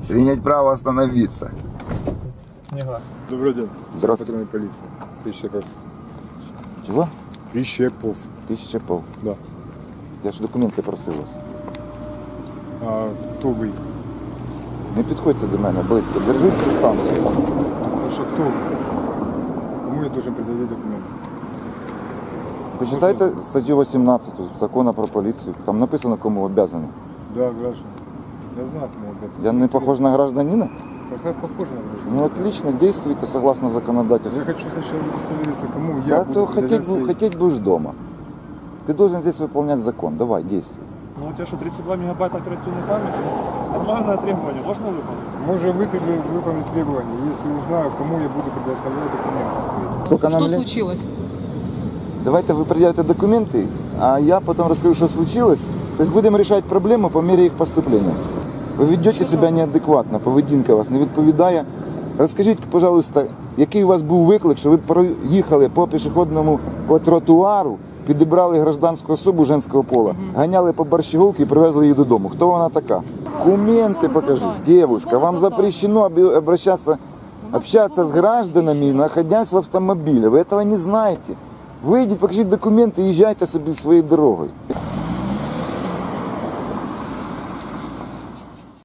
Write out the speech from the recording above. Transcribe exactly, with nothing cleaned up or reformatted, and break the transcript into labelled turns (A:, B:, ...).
A: Принять право остановиться.
B: Книга.
C: Добрый день.
A: Здравствуйте.
C: Патрульной полиции. Прищепов.
A: Чого?
C: Прищепов.
A: Тисяча пол.
C: Да.
A: Я ж документи просив вас.
C: А кто вы?
A: Не підходьте до мене близько. Держіть дистанцію.
C: Ну что, кто вы? Кому я должен предъявить документы?
A: Почитайте статтю вісімнадцять закону про поліцію. Там написано, кому обов'язаний.
C: Да, граждан. Я знаю, кому отдать.
A: Я не похож на гражданина?
C: Пока похоже на гражданина.
A: Ну отлично, действуйте согласно
C: Я
A: законодательству.
C: хочу сначала удостовериться, кому я
A: Да,
C: буду
A: то
C: предъявлять
A: хотеть,
C: свои...
A: бу- хотеть будешь дома. Ты должен здесь выполнять закон. Давай, действуй.
B: Ну у тебя что, тридцать два мегабайта оперативной памяти? Нормальное требование, можно выполнить?
C: Мы уже вытребовали выполнить требования, если узнаю, кому я буду предоставлять документы свои.
A: Сколько нам
D: Что
A: лет?
D: случилось?
A: Давайте вы предъявите документы, а я потом расскажу, что случилось. То есть будем решать проблему по мере их поступления. Ви ведете себе неадекватно, поведінка вас не відповідає. Розкажіть, пожалуйста, який у вас був виклик, що ви проїхали по пішохідному по тротуару, підібрали гражданську особу женського пола, ганяли по Борщаговці і привезли її додому. Хто вона така? Документи покажіть, девушка. Вам запрещено обращаться, общаться с гражданами, находясь в автомобиле. Вы этого не знаете. Вийдіть, покажіть документи і їжджайте собі своєю дорогою.